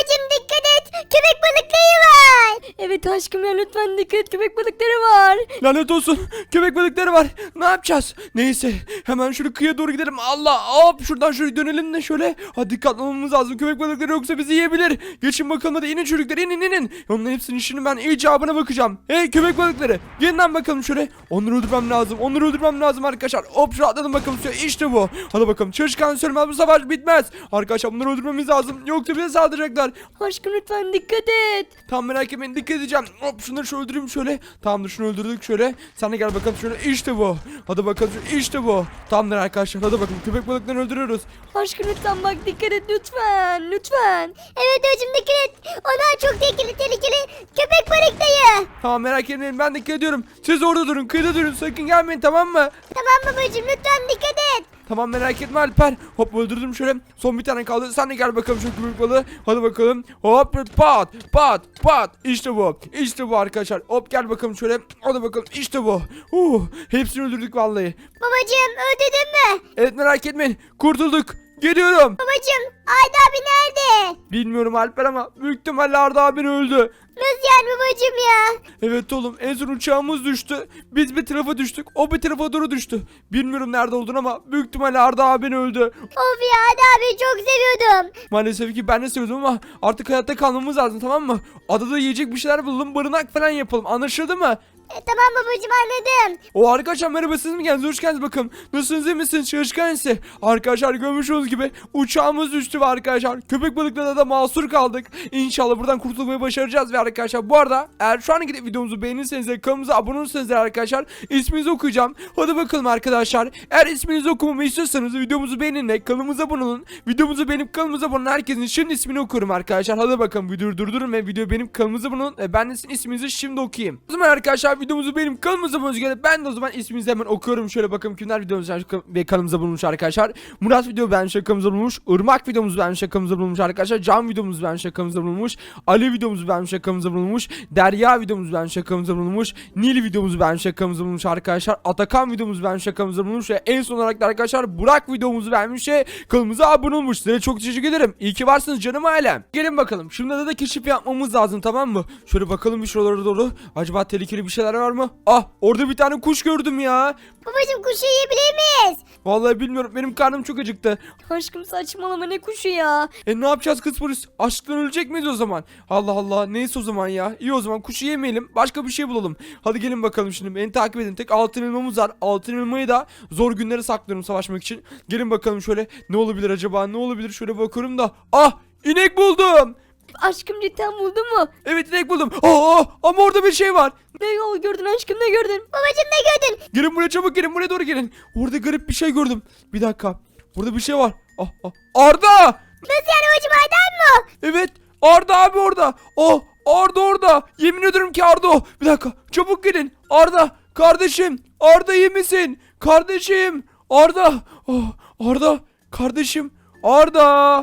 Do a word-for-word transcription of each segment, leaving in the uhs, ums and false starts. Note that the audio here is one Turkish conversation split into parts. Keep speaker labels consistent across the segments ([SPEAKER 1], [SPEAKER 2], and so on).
[SPEAKER 1] babacım dikkat et. Köpek balıkları var.
[SPEAKER 2] Evet aşkım ya lütfen dikkat et, köpek balıkları var.
[SPEAKER 3] Lanet olsun. Köpek balıkları var. Ne yapacağız? Neyse. Hemen şöyle kıyıya doğru gidelim. Allah. Hop şuradan şöyle dönelim de şöyle. Hadi dikkatli olmamız lazım. Köpek balıkları yoksa bizi yiyebilir. Geçin bakalım hadi inin çocuklar inin inin. Onların hepsinin işini ben icabına bakacağım. Hey köpek balıkları. Gelin lan bakalım şöyle. Onları öldürmem lazım. Onları öldürmem lazım arkadaşlar. Hop şuraya atladım bakalım suya. İşte bu. Hadi bakalım. Çalışkan sürmez bu savaş bitmez. Arkadaşlar bunları öldürmemiz lazım. Yoksa bize saldıracaklar.
[SPEAKER 2] Aşkım lütfen dikkat et.
[SPEAKER 3] Tamam merak etmeyin dikkat edeceğim. Hop şunları şöyle öldüreyim şöyle. Tamamdır şunu öldürdük şöyle. Sen de gel bakalım şöyle. İşte bu. Hadi bakalım işte bu. Tamamdır arkadaşlar hadi bakalım. Köpek balıklarını öldürüyoruz.
[SPEAKER 2] Aşkım lütfen bak dikkat et lütfen. Lütfen.
[SPEAKER 1] Evet babacım dikkat et. Onlar çok tehlikeli tehlikeli. Köpek balıkları.
[SPEAKER 3] Tamam merak etmeyin ben dikkat ediyorum. Siz orada durun kıyıda durun sakın gelmeyin tamam mı?
[SPEAKER 1] Tamam babacım lütfen dikkat et.
[SPEAKER 3] Tamam merak etme Alper. Hop öldürdüm şöyle. Son bir tane kaldı. Sen de gel bakalım şu köpek balığı. Hadi bakalım. Hop pat pat pat. İşte bu. İşte bu arkadaşlar. Hop gel bakalım şöyle. Hadi bakalım. İşte bu. Uh, hepsini öldürdük vallahi.
[SPEAKER 1] Babacım öldürdün mü?
[SPEAKER 3] Evet merak etmeyin. Kurtulduk. Geliyorum.
[SPEAKER 1] Babacım Arda abi nerede?
[SPEAKER 3] Bilmiyorum Alper ama büyük ihtimalle Arda abin öldü.
[SPEAKER 1] Nasıl yani babacım ya?
[SPEAKER 3] Evet oğlum en son uçağımız düştü. Biz bir tarafa düştük. O bir tarafa doğru düştü. Bilmiyorum nerede olduğunu ama büyük ihtimalle Arda abin öldü.
[SPEAKER 1] Of ya Arda abi çok seviyordum.
[SPEAKER 3] Maalesef ki ben de seviyordum ama artık hayatta kalmamız lazım tamam mı? Adada yiyecek bir şeyler bulalım barınak falan yapalım anlaşıldı mı?
[SPEAKER 1] E, tamam babacım anladım.
[SPEAKER 3] O arkadaşlar merhaba siz mi geldiniz hoş geldiniz bakalım. Nasılsınız iyi misiniz çalışkan ise. Arkadaşlar görmüş olduğunuz gibi uçağımız düştü ve arkadaşlar köpek balıklarına da mahsur kaldık. İnşallah buradan kurtulmayı başaracağız ve arkadaşlar bu arada eğer şu an gidip videomuzu beğenirseniz ve kanalımıza abone olursanız arkadaşlar isminizi okuyacağım. Hadi bakalım arkadaşlar eğer isminizi okumamı istiyorsanız videomuzu beğenin ve kanalımıza abone olun. Videomuzu beğenip kanalımıza abone olan herkesin şimdi ismini okuyorum arkadaşlar. Hadi bakalım videoyu durdurun ve videoyu beğenip kanalımıza abone olun. E, ben de sizin isminizi şimdi okuyayım. O zaman arkadaşlar videomuzu benim kanalımıza abone olun. Ben de o zaman isminizi hemen okuyorum. Şöyle bakalım kimler videomuzu ve kanalımıza bulunmuş arkadaşlar. Murat video ben şakamıza bulunmuş. Irmak videomuzu ben şakamıza bulunmuş arkadaşlar. Can videomuzu ben şakamıza bulunmuş. Ali videomuzu ben şakamıza bulunmuş. Derya videomuzu ben şakamıza bulunmuş. Nil videomuzu ben şakamıza bulunmuş arkadaşlar. Atakan videomuzu ben şakamıza bulunmuş. Ve en son olarak da arkadaşlar Burak videomuzu vermiş ve kanalımıza abone olmuş. Size çok teşekkür ederim. İyi ki varsınız canım ailem. Gelin bakalım. Şimdi da, da keşif yapmamız lazım tamam mı? Şöyle bakalım bir şuralara doğru. Acaba tehlikeli bir şeyler var mı? Ah orada bir tane kuş gördüm ya.
[SPEAKER 1] Babacım kuşu yiyebilir miyiz?
[SPEAKER 3] Vallahi bilmiyorum benim karnım çok acıktı.
[SPEAKER 2] Aşkım saçmalama ne kuşu ya.
[SPEAKER 3] E ne yapacağız kız polis? Açlıktan ölecek miyiz o zaman? Allah Allah neyse o zaman ya. İyi o zaman kuşu yemeyelim başka bir şey bulalım. Hadi gelin bakalım şimdi beni takip edin. Tek altın elmamız var. Altın elmayı da zor günlere saklıyorum savaşmak için. Gelin bakalım şöyle ne olabilir acaba ne olabilir şöyle bakıyorum da. Ah inek buldum.
[SPEAKER 2] Aşkım cidden buldun mu?
[SPEAKER 3] Evet inek buldum. Aa, ama orada bir şey var.
[SPEAKER 2] Ne yol gördün aşkım ne gördün?
[SPEAKER 1] Babacım ne gördün?
[SPEAKER 3] Gelin buraya çabuk gelin buraya doğru gelin. Orada garip bir şey gördüm. Bir dakika. Burada bir şey var. Ah, ah. Arda!
[SPEAKER 1] Nasıl yani babacım Arda'm mı?
[SPEAKER 3] Evet. Arda abi orada. Oh Arda orada. Yemin ederim ki Arda o. Bir dakika. Çabuk gelin. Arda. Kardeşim. Arda iyi misin? Kardeşim. Arda. Oh, Arda. Kardeşim. Arda.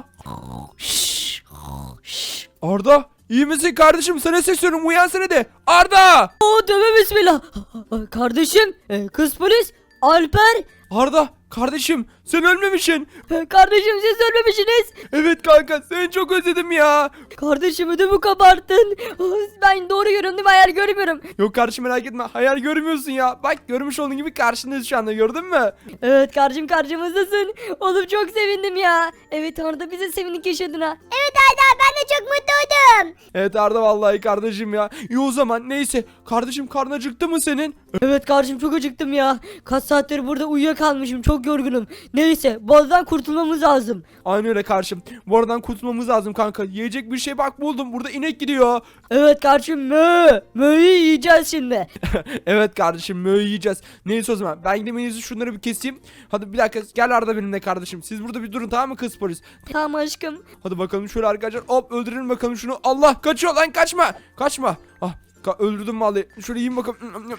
[SPEAKER 3] Arda. İyi misin kardeşim? Sana sesleniyorum. Uyansana de. Arda.
[SPEAKER 2] Oo tövbe bismillah. Kardeşim e, kız polis Alper.
[SPEAKER 3] Arda. Kardeşim. Sen ölmemişsin.
[SPEAKER 2] E, Kardeşim siz ölmemişsiniz.
[SPEAKER 3] Evet kanka. Seni çok özledim ya.
[SPEAKER 2] Kardeşim ödümü kabarttın. Ben doğru görüyorum değil mi? Hayal görmüyorum.
[SPEAKER 3] Yok kardeşim merak etme. Hayal görmüyorsun ya. Bak görmüş olduğun gibi karşındayız şu anda. Gördün mü?
[SPEAKER 2] Evet kardeşim karşımızdasın. Oğlum çok sevindim ya. Evet Arda bize sevindik yaşadığına.
[SPEAKER 1] Evet Arda ben de çok mutlu oldum.
[SPEAKER 3] Evet Arda vallahi kardeşim ya. İyi o zaman neyse. Kardeşim karnın acıktı mı senin?
[SPEAKER 2] Evet kardeşim çok acıktım ya. Kaç saattir burada uyuyakalmışım. Çok yorgunum. Neyse bazıdan kurtulmamız lazım.
[SPEAKER 3] Aynı öyle kardeşim. Bu aradan kurtulmamız lazım kanka. Yiyecek bir şey bak buldum. Burada inek gidiyor.
[SPEAKER 2] Evet kardeşim mö. Mö'yü yiyeceğiz şimdi.
[SPEAKER 3] Evet kardeşim möğü yiyeceğiz. Neyse o zaman. Ben gidip en iyisi şunları bir keseyim. Hadi bir dakika gel Arda benimle kardeşim. Siz burada bir durun tamam mı kız polis?
[SPEAKER 2] Tamam aşkım.
[SPEAKER 3] Hadi bakalım şöyle arkadaşlar. Hop öldürelim bakalım şunu. Allah kaçıyor lan kaçma. Kaçma. Ah Ka- öldürdüm vallahi. Şöyle yiyeyim bakalım.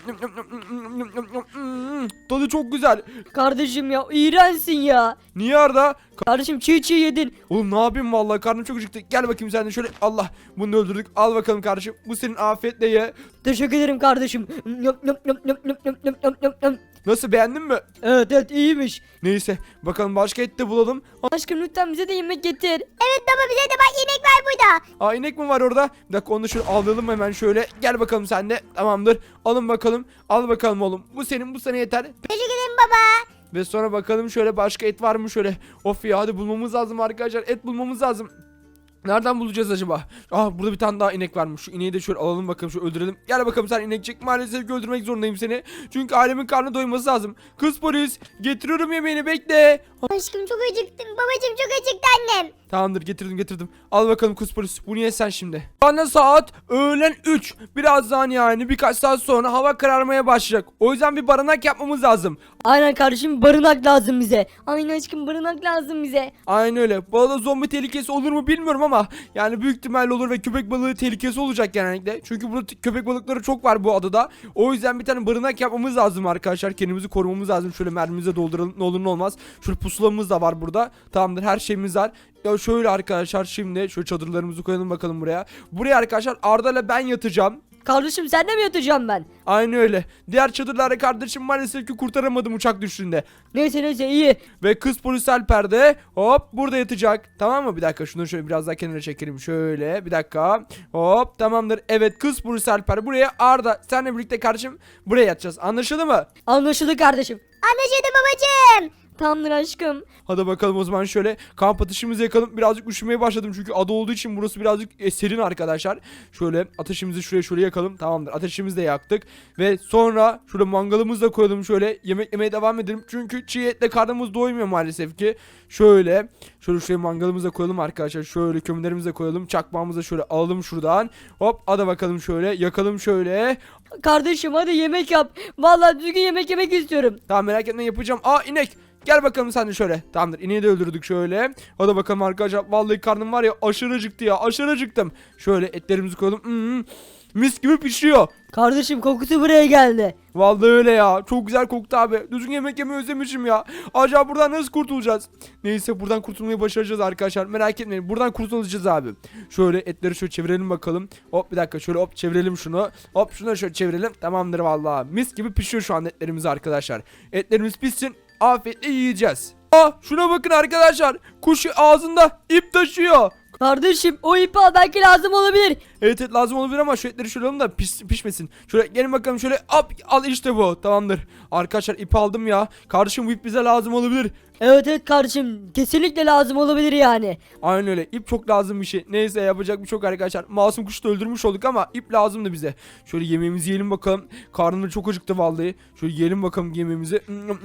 [SPEAKER 3] Tadı çok güzel.
[SPEAKER 2] Kardeşim ya iğrençsin ya.
[SPEAKER 3] Niye Arda?
[SPEAKER 2] Kardeşim çiğ çiğ yedin.
[SPEAKER 3] Oğlum ne yapayım vallahi, karnım çok acıktı. Gel bakayım sen de şöyle. Allah, bunu da öldürdük. Al bakalım kardeşim. Bu senin, afiyetle ye.
[SPEAKER 2] Teşekkür ederim kardeşim. Yum, yum, yum, yum, yum, yum, yum, yum, yum, yum.
[SPEAKER 3] Nasıl, beğendin mi?
[SPEAKER 2] Evet evet iyiymiş.
[SPEAKER 3] Neyse bakalım, başka et de bulalım.
[SPEAKER 2] Aşkım lütfen bize de yemek getir.
[SPEAKER 1] Evet baba bize de bak inek var burada.
[SPEAKER 3] Aa, inek mi var orada? Bir dakika, onu da şöyle alalım hemen şöyle. Gel bakalım sen de. Tamamdır. Alın bakalım. Al bakalım oğlum. Bu senin, bu sana yeter.
[SPEAKER 1] Teşekkür ederim baba.
[SPEAKER 3] Ve sonra bakalım şöyle başka et var mı şöyle. Of ya, hadi bulmamız lazım arkadaşlar. Et bulmamız lazım. Nereden bulacağız acaba? Ah, burada bir tane daha inek varmış. Şu ineği de şöyle alalım bakalım, şu öldürelim. Gel bakalım sen inekçik. Maalesef ki öldürmek zorundayım seni. Çünkü ailemin karnı doyması lazım. Kız polis, getiriyorum yemeğini, bekle.
[SPEAKER 1] Aşkım çok acıktım. Babacım çok acıktı annem.
[SPEAKER 3] Tamamdır, getirdim getirdim. Al bakalım kız polis, bunu ye sen şimdi. Bana saat öğlen üç. Birazdan, yani birkaç saat sonra hava kararmaya başlayacak. O yüzden bir barınak yapmamız lazım.
[SPEAKER 2] Aynen kardeşim barınak lazım bize. Aynen aşkım barınak lazım bize.
[SPEAKER 3] Aynen öyle. Bu arada zombi tehlikesi olur mu bilmiyorum ama yani büyük ihtimalle olur ve köpek balığı tehlikesi olacak genellikle. Çünkü burada t- köpek balıkları çok var bu adada. O yüzden bir tane barınak yapmamız lazım arkadaşlar. Kendimizi korumamız lazım. Şöyle mermimizi de dolduralım, ne olur ne olmaz. Şöyle pusulamız da var burada. Tamamdır, her şeyimiz var. Ya şöyle arkadaşlar, şimdi şöyle çadırlarımızı koyalım bakalım buraya. Buraya arkadaşlar Arda ile ben yatacağım.
[SPEAKER 2] Kardeşim sen de mi yatacağım ben?
[SPEAKER 3] Aynı öyle. Diğer çadırlarda kardeşim maalesef ki kurtaramadım uçak düştüğünde.
[SPEAKER 2] Neyse neyse iyi.
[SPEAKER 3] Ve kız polis Alper de hop burada yatacak. Tamam mı? Bir dakika, şunu şöyle biraz daha kenara çekelim. Şöyle bir dakika. Hop, tamamdır. Evet, kız polis Alper buraya, Arda senle birlikte kardeşim buraya yatacağız. Anlaşıldı mı?
[SPEAKER 2] Anlaşıldı kardeşim.
[SPEAKER 1] Anlaşıldı babacım.
[SPEAKER 2] Tamamdır aşkım.
[SPEAKER 3] Hadi bakalım o zaman, şöyle kamp ateşimizi yakalım. Birazcık üşümeye başladım çünkü ada olduğu için burası birazcık e, serin arkadaşlar. Şöyle ateşimizi şuraya şöyle yakalım. Tamamdır, ateşimizi de yaktık. Ve sonra şöyle mangalımızı da koyalım, şöyle yemek yemeye devam edelim. Çünkü çiğ etle karnımız doymuyor maalesef ki. Şöyle şöyle şuraya mangalımızı da koyalım arkadaşlar. Şöyle kömürlerimizi de koyalım. Çakmağımızı da şöyle alalım şuradan. Hop, hadi bakalım şöyle yakalım şöyle.
[SPEAKER 2] Kardeşim hadi yemek yap. Vallahi düzgün yemek yemek istiyorum.
[SPEAKER 3] Tamam, merak etme, yapacağım. Aa, inek. Gel bakalım sen de şöyle. Tamamdır, ineği de öldürdük şöyle. Hadi bakalım arkadaşlar. Vallahi karnım var ya, aşırı acıktı ya. Aşırı acıktım. Şöyle etlerimizi koyalım. Hmm, mis gibi pişiyor.
[SPEAKER 2] Kardeşim kokusu buraya geldi.
[SPEAKER 3] Vallahi öyle ya. Çok güzel koktu abi. Düzgün yemek yemeyi özlemişim ya. Acaba buradan nasıl kurtulacağız? Neyse, buradan kurtulmayı başaracağız arkadaşlar. Merak etmeyin. Buradan kurtulacağız abi. Şöyle etleri şöyle çevirelim bakalım. Hop, bir dakika, şöyle hop çevirelim şunu. Hop, şunu da şöyle çevirelim. Tamamdır vallahi. Mis gibi pişiyor şu an etlerimiz arkadaşlar. Etlerimiz pişsin. Afiyetle yiyeceğiz. Aa, şuna bakın arkadaşlar. Kuş ağzında ip taşıyor.
[SPEAKER 2] Kardeşim o ipi al belki lazım olabilir.
[SPEAKER 3] Evet evet, lazım olabilir ama şu etleri şöyle alalım da piş, pişmesin. Şöyle gelin bakalım, şöyle hop, al işte bu. Tamamdır. Arkadaşlar ip aldım ya. Kardeşim bu ip bize lazım olabilir.
[SPEAKER 2] Evet evet kardeşim kesinlikle lazım olabilir yani.
[SPEAKER 3] Aynen öyle. İp çok lazım bir şey. Neyse, yapacak bir şey yok arkadaşlar. Masum kuşu da öldürmüş olduk ama ip lazımdı bize. Şöyle yemeğimizi yiyelim bakalım. Karnım çok acıktı vallahi. Şöyle yiyelim bakalım yemeğimizi.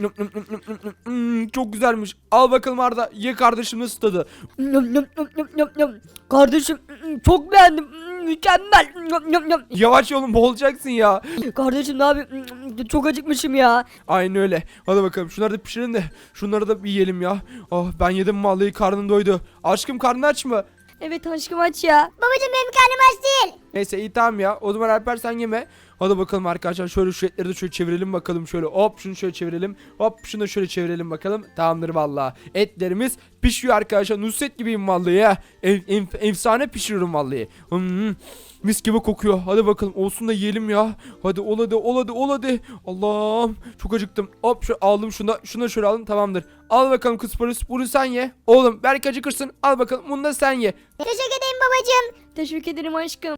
[SPEAKER 3] Hmm, çok güzelmiş. Al bakalım Arda. Ye kardeşim, nasıl tadı?
[SPEAKER 2] Yum, yum, yum, yum, yum, yum. Kardeşim çok beğendim. Mükemmel. Yum, yum, yum.
[SPEAKER 3] Yavaş yolun, boğulacaksın ya.
[SPEAKER 2] Kardeşim ne yapayım? Çok acıkmışım ya.
[SPEAKER 3] Aynen öyle. Hadi bakalım, şunları da pişirin de şunları da bir yiyelim ya. Oh, ben yedim vallahi, karnım doydu. Aşkım, karnın aç mı?
[SPEAKER 2] Evet aşkım aç ya.
[SPEAKER 1] Babacım benim karnım aç değil.
[SPEAKER 3] Neyse, iyi tamam ya. O zaman Alper sen yeme. Hadi bakalım arkadaşlar, şöyle şu etleri de şöyle çevirelim bakalım, şöyle hop şunu şöyle çevirelim, hop şunu da şöyle çevirelim bakalım. Tamamdır vallahi. Etlerimiz pişiyor arkadaşlar. Nusret gibiyim vallahi ya. Ef- ef- efsane pişiriyorum vallahi. Hmm, mis gibi kokuyor. Hadi bakalım, olsun da yiyelim ya. Hadi ol hadi ol hadi ol hadi. Allah'ım, çok acıktım. Hop şu aldım, şunu da şunu da şöyle aldım, tamamdır. Al bakalım kız polis, bunu sen ye. Oğlum belki acıkırsın. Al bakalım, bunu da sen ye.
[SPEAKER 1] Teşekkür ederim babacım.
[SPEAKER 2] Teşekkür ederim aşkım.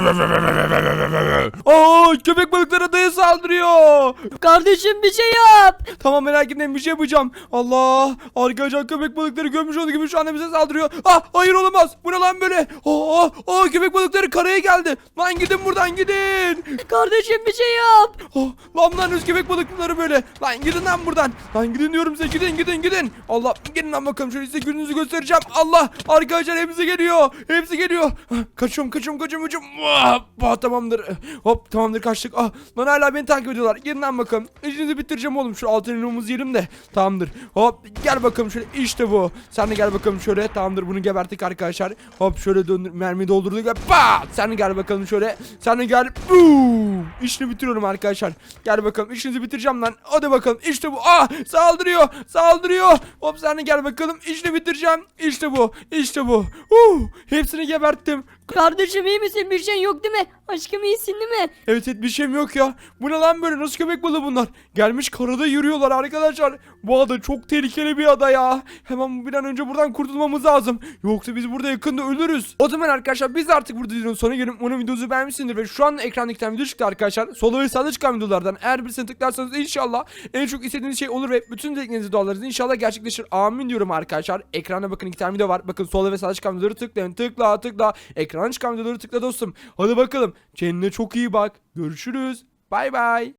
[SPEAKER 3] Aa, köpek balıkları adaya saldırıyor.
[SPEAKER 2] Kardeşim bir şey yap.
[SPEAKER 3] Tamam, merak etmeyin, bir şey yapacağım. Allah, arkadaşlar köpek balıkları görmüş olduğu gibi şu anda bize saldırıyor. Ah, hayır olamaz. Bu ne lan böyle? Aa, aa, köpek balıkları karaya geldi. Lan gidin buradan, gidin.
[SPEAKER 2] Kardeşim bir şey yap.
[SPEAKER 3] Oh, lan lan öz köpek balıkları böyle. Lan gidin lan buradan. Lan gidin diyorum size, gidin gidin gidin. Allah, gelin lan bakalım, şöyle size gününüzü göstereceğim. Allah, arkadaşlar hepsi geliyor. Hepsi geliyor. Kaçıyorum kaçıyorum kaçıyorum kaçıyorum. Ah, tamamdır. Hop tamamdır kaçtık. Ah, lan hala beni takip ediyorlar. Gelin lan bakalım. İşinizi bitireceğim oğlum. Şu altın elmamızı yerim de. Tamamdır. Hop gel bakalım şöyle. İşte bu. Sen de gel bakalım şöyle. Tamamdır bunu geberttik arkadaşlar. Hop şöyle döndür. Mermiyi doldurduk ve pat. Sen de gel bakalım şöyle. Sen de gel. Boom. İşini bitiriyorum arkadaşlar. Gel bakalım. İşinizi bitireceğim lan. Hadi bakalım. İşte bu. Ah saldırıyor. Saldırıyor. Hop sen de gel bakalım. İşini bitireceğim. İşte bu. İşte bu. Uh, hepsini geberttim.
[SPEAKER 2] Kardeşim iyi misin? Bir şey yok değil mi? Aşkım iyisin değil mi?
[SPEAKER 3] Evet evet bir şeyim yok ya. Bu ne lan böyle? Nasıl köpek balığı bunlar? Gelmiş karada yürüyorlar arkadaşlar. Bu ada çok tehlikeli bir ada ya. Hemen bir an önce buradan kurtulmamız lazım. Yoksa biz burada yakında ölürüz. O zaman arkadaşlar biz artık burada videonun sonuna gelip umarım videomuzu beğenmişsindir ve şu an ekrandaki tane video çıktı arkadaşlar. Sola ve sağda çıkan videolardan eğer birisine tıklarsanız inşallah en çok istediğiniz şey olur ve bütün dileklerinizi dualarınız inşallah gerçekleşir. Amin diyorum arkadaşlar. Ekranda bakın iki tane video var. Bakın sola ve sağda çıkan videoları tıklayın. Tıkla tıkla. Ekrana çıkan videoları tıkla dostum. Hadi bakalım. Kendine çok iyi bak. Görüşürüz. Bay bay.